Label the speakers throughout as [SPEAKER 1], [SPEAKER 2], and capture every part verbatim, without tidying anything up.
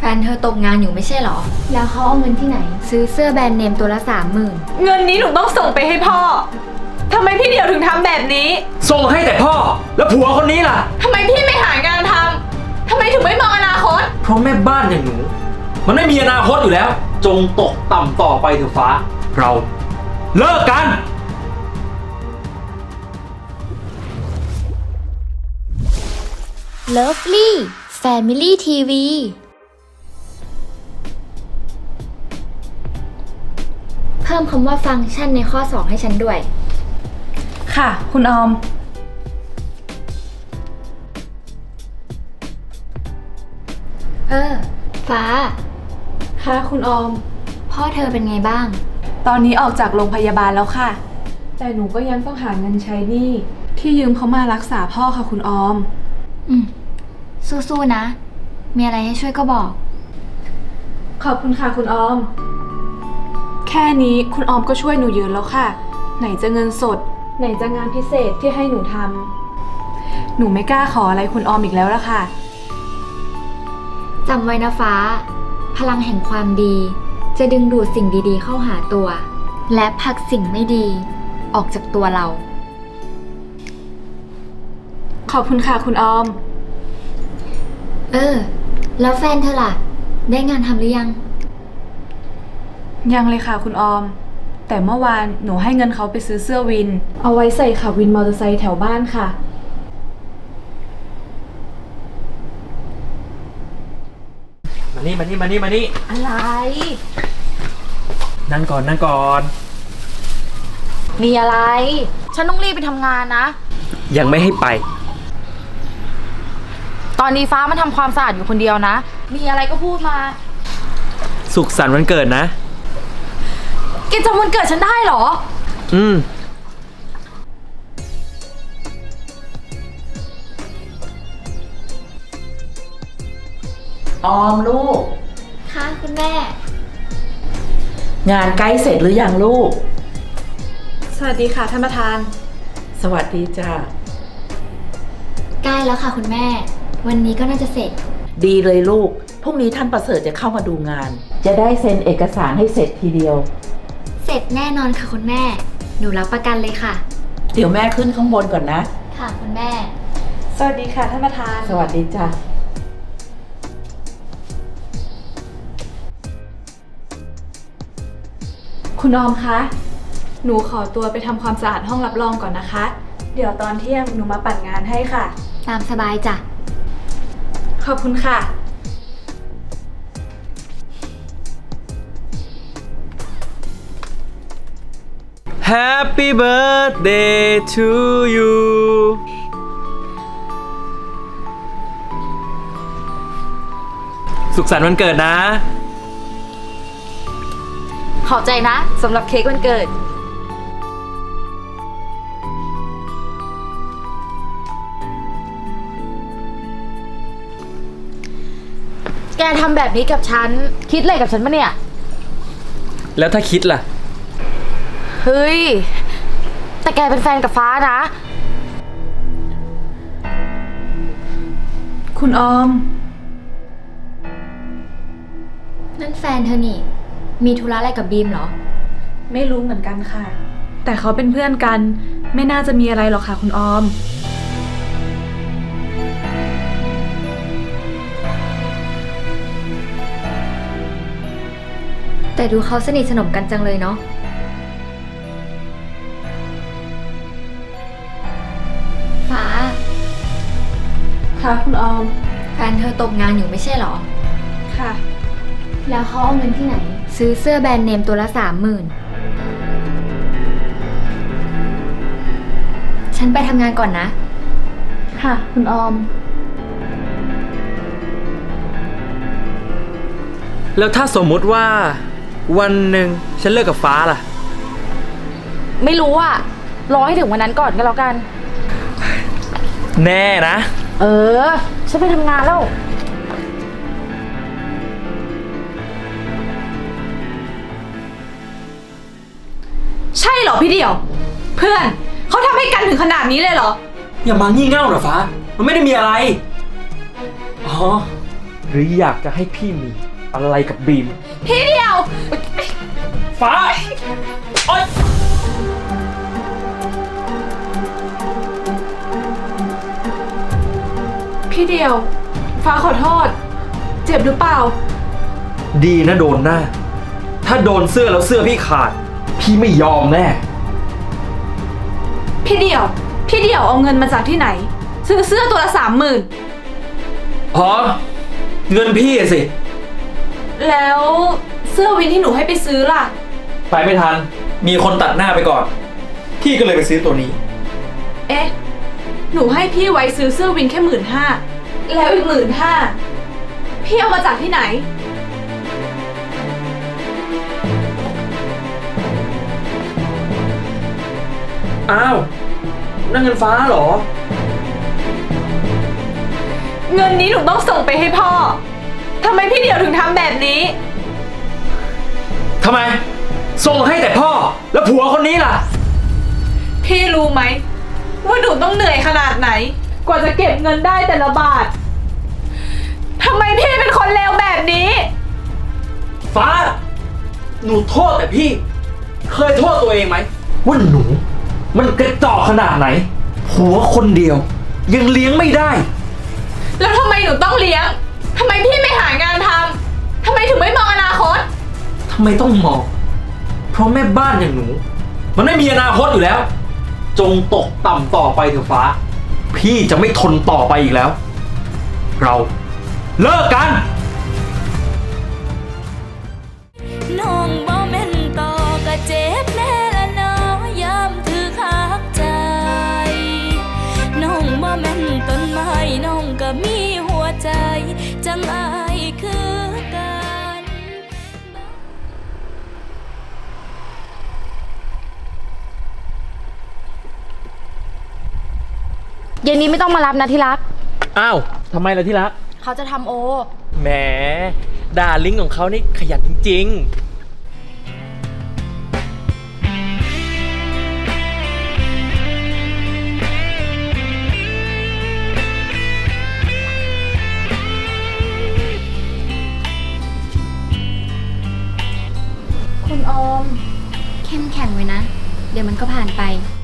[SPEAKER 1] แฟนเธอตกงานอยู่ไม่ใช่หรอแล้วเขาเอาเงินที่ไหนซื้อเสื้อแบรนด์เนมตัวละสามหมื่น
[SPEAKER 2] เงินนี้หนูต้องส่งไปให้พ่อทำไมพี่เดี่ยวถึงทำแบบนี้
[SPEAKER 3] ส่งให้แต่พ่อแล้วผัวคนนี้ล่ะ
[SPEAKER 2] ทำไมพี่ไม่หางานทำทำไมถึงไม่มองอนาคต
[SPEAKER 3] เพราะแม่บ้านอย่างหนูมันไม่มีอนาคตอยู่แล้วจงตกต่ำต่อไปเถอะฟ้าเราเลิกกัน
[SPEAKER 1] เลิฟลี่แฟมิลี่ทีวีเพิ่มคำว่าฟังก์ชันในข้อสองให้ฉันด้วย
[SPEAKER 2] ค่ะคุณออม
[SPEAKER 1] เออฟ้า
[SPEAKER 2] ค่ะคุณออม
[SPEAKER 1] พ่อเธอเป็นไงบ้าง
[SPEAKER 2] ตอนนี้ออกจากโรงพยาบาลแล้วค่ะแต่หนูก็ยังต้องหาเงินใช้หนี้ที่ยืมเขามารักษาพ่อค่ะคุณออม
[SPEAKER 1] อืมสู้ๆนะมีอะไรให้ช่วยก็บอก
[SPEAKER 2] ขอบคุณค่ะคุณออมแค่นี้คุณออมก็ช่วยหนูเยอะแล้วค่ะไหนจะเงินสดไหนจะงานพิเศษที่ให้หนูทำหนูไม่กล้าขออะไรคุณออมอีกแล้วละค่ะ
[SPEAKER 1] จำไว้นะฟ้าพลังแห่งความดีจะดึงดูดสิ่งดีๆเข้าหาตัวและผลักสิ่งไม่ดีออกจากตัวเรา
[SPEAKER 2] ขอบคุณค่ะคุณออม
[SPEAKER 1] เออแล้วแฟนเธอล่ะได้งานทำหรือยัง
[SPEAKER 2] ยังเลยค่ะคุณออมแต่เมื่อวานหนูให้เงินเขาไปซื้อเสื้อวินเอาไว้ใส่ขับวินมอเตอร์ไซค์แถวบ้านค่ะ
[SPEAKER 3] มานี่มานี่มานี่มานี่
[SPEAKER 2] อะไร
[SPEAKER 3] นั่งก่อนนั่งก่อน
[SPEAKER 2] มีอะไรฉันต้องรีบไปทำงานนะ
[SPEAKER 3] ยังไม่ให้ไป
[SPEAKER 2] ตอนนี้ฟ้ามันทำความสะอาดอยู่คนเดียวนะมีอะไรก็พูดมา
[SPEAKER 3] สุขสันต์วันเกิดนะ
[SPEAKER 2] แกจำวันเกิดฉันได้เหรอ
[SPEAKER 3] อืม
[SPEAKER 4] ออมลูก
[SPEAKER 1] ค่ะคุณแม่
[SPEAKER 4] งานใกล้เสร็จหรือยังลูก
[SPEAKER 2] สวัสดีค่ะท่านประธาน
[SPEAKER 4] สวัสดีจ้า
[SPEAKER 1] ใกล้แล้วค่ะคุณแม่วันนี้ก็น่าจะเสร็จ
[SPEAKER 4] ดีเลยลูกพรุ่งนี้ท่านประเสริฐจะเข้ามาดูงานจะได้เซ็นเอกสารให้เสร็จทีเดียว
[SPEAKER 1] เสร็จแน่นอนค่ะคุณแม่หนูรับประกันเลยค่ะ
[SPEAKER 4] เดี๋ยวแม่ขึ้นข้างบนก่อนนะ
[SPEAKER 1] ค่ะคุณแม่
[SPEAKER 2] สวัสดีค่ะท่านประธาน
[SPEAKER 4] สวัสดีจ้า
[SPEAKER 2] คุณออมคะหนูขอตัวไปทำความสะอาดห้องรับรองก่อนนะคะเดี๋ยวตอนเที่ยงหนูมาปั่นงานให้ค่ะ
[SPEAKER 1] ตามสบายจ้ะ
[SPEAKER 2] ขอบคุณค่ะ
[SPEAKER 3] Happy birthday to you สุขสันต์วันเกิดนะ
[SPEAKER 2] ขอบใจนะสำหรับเค้กวันเกิดแกทำแบบนี้กับฉันคิดอะไรกับฉันปะเนี่ย
[SPEAKER 3] แล้วถ้าคิดล่ะ
[SPEAKER 2] เฮ้ยแต่แกเป็นแฟนกับฟ้านะคุณออม
[SPEAKER 1] นั่นแฟนเธอนี่มีธุระอะไรกับบีมเหรอ
[SPEAKER 2] ไม่รู้เหมือนกันค่ะแต่เขาเป็นเพื่อนกันไม่น่าจะมีอะไรหรอกค่ะคุณออม
[SPEAKER 1] แต่ดูเขาสนิทสนมกันจังเลยเนาะฟ้า
[SPEAKER 2] ค่ะคุณออม
[SPEAKER 1] แฟนเธอตกงานอยู่ไม่ใช่หรอ
[SPEAKER 2] ค่ะ
[SPEAKER 1] แล้วเขาเอาเงินที่ไหนซื้อเสื้อแบรนด์เนมตัวละสามหมื่นฉันไปทำงานก่อนนะ
[SPEAKER 2] ค่ะคุณออม
[SPEAKER 3] แล้วถ้าสมมุติว่าวันหนึ่งฉันเลิกกับฟ้าล่ะ
[SPEAKER 2] ไม่รู้อ่ะรอให้ถึงวันนั้นก่อนก็แล้วกัน
[SPEAKER 3] แน่นะ
[SPEAKER 2] เออฉันไปทำงานแล้วใช่เหรอพี่เดี่ยวเพื่อนเขาทำให้กันถึงขนาดนี้เลยเหรอ
[SPEAKER 3] อย่ามางี่เง่าหรอฟ้ามันไม่ได้มีอะไรอ๋อหรืออยากจะให้พี่มีอะไรกับบีม
[SPEAKER 2] พี่เดียว
[SPEAKER 3] ฟ้าโอ๊ย
[SPEAKER 2] พี่เดียว ฟ้าขอโทษ เจ็บหรือเปล่า
[SPEAKER 3] ดีนะโดนหน้า ถ้าโดนเสื้อแล้วเสื้อพี่ขาด พี่ไม่ยอมแน่
[SPEAKER 2] พี่เดียว พี่เดียวเอาเงินมาจากที่ไหน ซื้อเสื้อตัวละสามหมื่น
[SPEAKER 3] อ๋อ เงินพี่อะสิ
[SPEAKER 2] แล้วเสื้อวินที่หนูให้ไปซื้อล่ะ
[SPEAKER 3] ไปไม่ทัน มีคนตัดหน้าไปก่อน พี่ก็เลยไปซื้อตัวนี้
[SPEAKER 2] เอ๊ะ หนูให้พี่ไว้ซื้อเสื้อวินแค่หมื่นห้า แล้วอีกหมื่นห้า พี่เอามาจากที่ไหน
[SPEAKER 3] อ้าวนั่นเงินฟ้าเหรอ
[SPEAKER 2] เงินนี้หนูต้องส่งไปให้พ่อ ทำไมพี่เดียวถึงทำแบบนี้
[SPEAKER 3] ทำไม ส่งให้แต่พ่อ แล้วผัวคนนี้ล่ะ
[SPEAKER 2] พี่รู้ไหมว่าหนูต้องเหนื่อยขนาดไหน กว่าจะเก็บเงินได้แต่ละบาท ทำไมพี่เป็นคนเลวแบบนี้
[SPEAKER 3] ฟ้า หนูโทษแต่พี่ เคยโทษตัวเองไหมว่าหนู มันกระจอกขนาดไหน ผัวคนเดียว ยังเลี้ยงไม่ได้
[SPEAKER 2] แล้วทำไมหนูต้องเลี้ยง ทำไมพี่ไม่หางานทำ ทำไมถึงไม่มองอนาคต
[SPEAKER 3] ทำไมต้องมอง เพราะแม่บ้านอย่างหนู มันไม่มีอนาคตอยู่แล้ว จงตกต่ำต่อไปเถอะฟ้า พี่จะไม่ทนต่อไปอีกแล้ว เราเลิกกัน
[SPEAKER 5] น้องบ่แม่นต่อก็เจ็บแน่ละเนาะยามถือคักใจ น้องบ่แม่นต้นไม้น้องก็มีหัวใจ จังอายคือกัน
[SPEAKER 6] เย็นนี้ไม่ต้องมารับนะที่รัก
[SPEAKER 3] อ้าวทำไมล่ะที่รัก
[SPEAKER 6] เขาจะทำโอ
[SPEAKER 3] แหมดาลิงของเขานี่ขยันจริงๆ
[SPEAKER 1] คุณออม เข้มแข็งไว้นะ เดี๋ยวมันก็ผ่านไป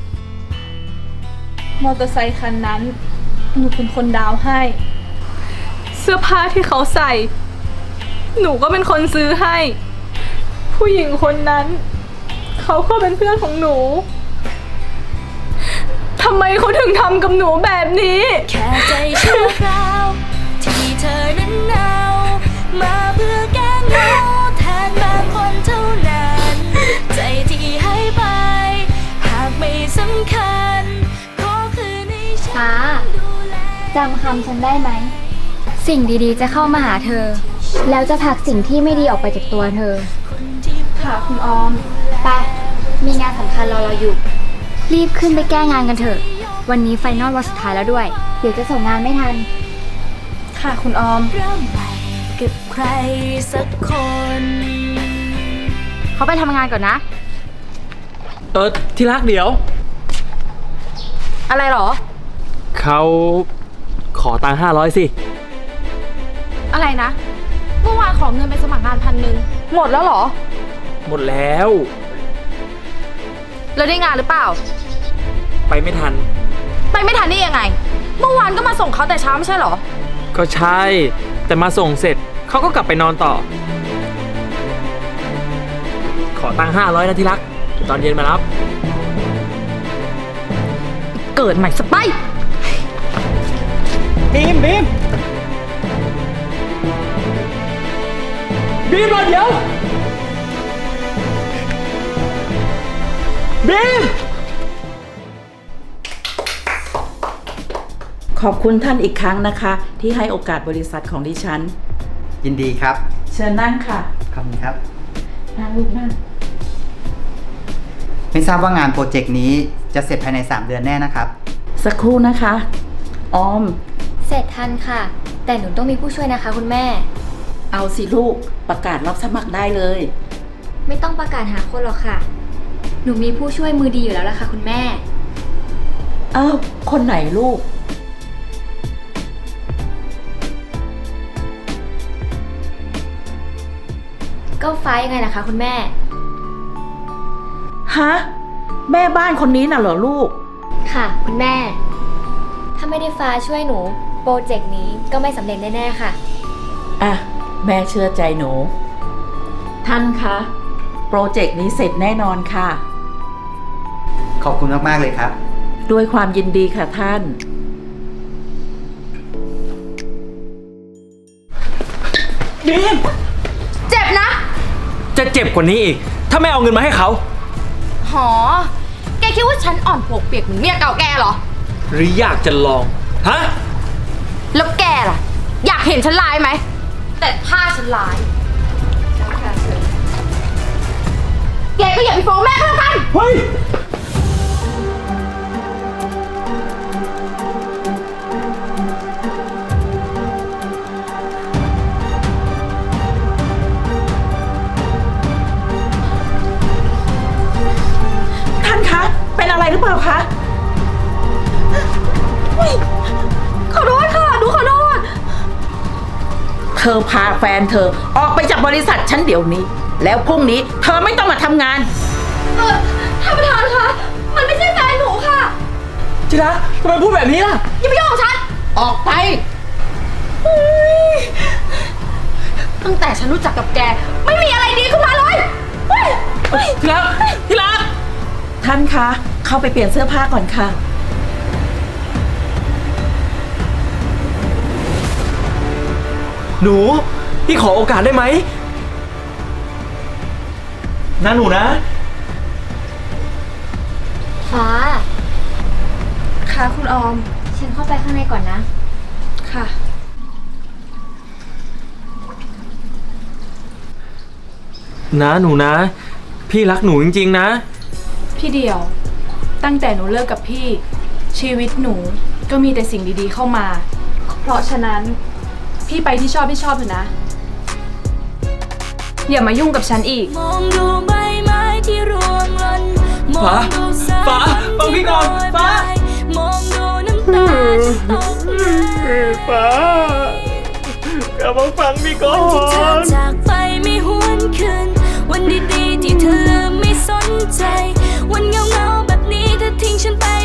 [SPEAKER 2] มอเตอร์ไซคันนั้น หนูเป็นคนดาวน์ให้ เสื้อผ้าที่เขาใส่ หนูก็เป็นคนซื้อให้ ผู้หญิงคนนั้น เขาก็เป็นเพื่อนของหนูทำไมเขาถึงทำกับหนูแบบนี้
[SPEAKER 5] แค่ใจชั่วคราวที่เธอนั้นเอามาเพื่อแก้เหงาแทนบางคนเท่านั้น ใจที่ให้ไป หากไม่สำคัญก็คือในฉั
[SPEAKER 1] ฟ้า
[SPEAKER 5] นดูแล
[SPEAKER 1] จำคำฉันได้ไหม สิ่งดีๆจะเข้ามาหาเธอ แล้วจะผลักสิ่งที่ไม่ดีออกไปจากตัวเธอ
[SPEAKER 5] คนที่
[SPEAKER 2] ค่ะคุณออม
[SPEAKER 1] ไป มีงานสำคัญรอเราอยู่ รีบขึ้นไปแก้งานกันเถอะ วันนี้ไฟนอลวันสุดท้ายแล้วด้วย เดี๋ยวจะส่งงานไม่ทัน
[SPEAKER 2] ค่ะคุณออม
[SPEAKER 5] เริ่มใหม่กับใครสักคน
[SPEAKER 6] เขาไปทำงานก่อนนะ
[SPEAKER 3] เออที่รักเดี๋ยว
[SPEAKER 6] อะไรหรอ
[SPEAKER 3] เขาขอตังค์ห้าร้อยสิ
[SPEAKER 6] อะไรนะ เมื่อวานขอเงินไปสมัครงานพันหนึ่งหมดแล้วเหรอ
[SPEAKER 3] หมดแล้ว
[SPEAKER 6] แล้วได้งานหรือเปล่า
[SPEAKER 3] ไปไม่ทัน
[SPEAKER 6] ไปไม่ทันได้ยังไง เมื่อวานก็มาส่งเขาแต่เช้าไม่ใช่เหรอ
[SPEAKER 3] ก็ใช่ แต่มาส่งเสร็จเขาก็กลับไปนอนต่อ ขอตังค์ห้าร้อยนะที่รักเดี๋ยวตอนเย็นมารับ
[SPEAKER 6] เกิดใหม่สไป
[SPEAKER 3] บีมบีมบีมรอเดี๋ยวบีม
[SPEAKER 4] ขอบคุณท่านอีกครั้งนะคะ ที่ให้โอกาสบริษัทของดิฉัน
[SPEAKER 7] ยินดีครับ
[SPEAKER 4] เชิญนั่งค่ะ
[SPEAKER 7] ขอบคุณครับ
[SPEAKER 4] นั่งลูกนั่ง
[SPEAKER 7] ไม่ทราบว่างานโปรเจกต์นี้จะเสร็จภายใน สาม เดือนแน่นะครับ
[SPEAKER 4] สักครู่นะคะ ออม
[SPEAKER 1] เสร็จทันค่ะ แต่หนูต้องมีผู้ช่วยนะคะคุณแม่
[SPEAKER 4] เอาสิลูก ประกาศรับสมัครได้เลย
[SPEAKER 1] ไม่ต้องประกาศหาคนหรอกค่ะ หนูมีผู้ช่วยมือดีอยู่แล้วล่ะค่ะคุณแม่
[SPEAKER 4] อ้าว คนไหนลูก
[SPEAKER 1] ก็ฟ้ายังไงนะคะคุณแม่
[SPEAKER 4] ฮะ แม่บ้านคนนี้น่ะเหรอลูก
[SPEAKER 1] ค่ะ คุณแม่ ถ้าไม่ได้ฟ้าช่วยหนู โปรเจกต์นี้ก็ไม่สำเร็จแน่ๆค่ะ
[SPEAKER 4] อ่ะ แม่เชื่อใจหนู ท่านคะ โปรเจกต์นี้เสร็จแน่นอนค่ะ
[SPEAKER 7] ขอบคุณมากๆเลยครับ
[SPEAKER 4] ด้วยความยินดีค่ะท่าน
[SPEAKER 3] บีม
[SPEAKER 6] เจ็บนะ
[SPEAKER 3] จะเจ็บกว่านี้อีก ถ้าไม่เอาเงินมาให้เขา
[SPEAKER 6] หอ แกคิดว่าฉันอ่อนปวกเปียกเหมือนเมียเก่าแกเหรอ
[SPEAKER 3] หรืออยากจะลอง ฮะ
[SPEAKER 6] แล้วแกล่ะ อยากเห็นฉันร้ายไหม แต่ถ้าฉันร้าย แกก็อย่าไปฟ้องแม่ก็แล้วกัน
[SPEAKER 3] เฮ้ย
[SPEAKER 4] ท่านคะ เป็นอะไรหรือเปล่าคะ
[SPEAKER 6] ขอโทษค่ะหนูขอโทษ
[SPEAKER 4] เธอพาแฟนเธอออกไปจากบริษัทฉันเดี๋ยวนี้ แล้วพรุ่งนี้เธอไม่ต้องมาทำงาน
[SPEAKER 6] เออท่านประธานคะ มันไม่ใช่แฟนหนูค่ะ
[SPEAKER 3] จิระทำไมพูดแบบนี้ล่ะ
[SPEAKER 6] อย่าไปยุ่งกับฉัน
[SPEAKER 4] ออกไป
[SPEAKER 6] ตั้งแต่ฉันรู้จักกับแก ไม่มีอะไรดีขึ้นมาเลยเฮ้ยเฮ้ย
[SPEAKER 3] ที่รักที่รัก
[SPEAKER 4] ท่านคะ เข้าไปเปลี่ยนเสื้อผ้าก่อนค่ะ
[SPEAKER 3] หนู พี่ขอโอกาสได้ไหมนะหนูนะ
[SPEAKER 1] ฟ้า
[SPEAKER 2] ค่ะคุณออม
[SPEAKER 1] ฉันเข้าไปข้างในก่อนนะ
[SPEAKER 2] ค่ะ
[SPEAKER 3] นะหนูนะ พี่รักหนูจริงๆนะ
[SPEAKER 2] พี่เดียว ตั้งแต่หนูเลิกกับพี่ ชีวิตหนูก็มีแต่สิ่งดีๆเข้ามา เพราะฉะนั้นพี่ไปที่ชอบที่ชอบเถอะนะ อย่ามายุ่งกับฉันอีก
[SPEAKER 5] มองดูใบไม้ที่ร่วงหล่นมองดูสาย
[SPEAKER 3] ฟ้าฟังพี่ก่อน
[SPEAKER 5] ฝ
[SPEAKER 3] ฟ้า
[SPEAKER 5] มองดูน้ำตาที่ตกไหล
[SPEAKER 3] ฟ้ากลับมาฟังพี่ก่อ
[SPEAKER 5] วันที่เธอน จากไปไม่หวนคืนวันดีๆที่เธอลืมไม่สนใจ วันเงาๆแบบนี้เธอทิ้งฉันไป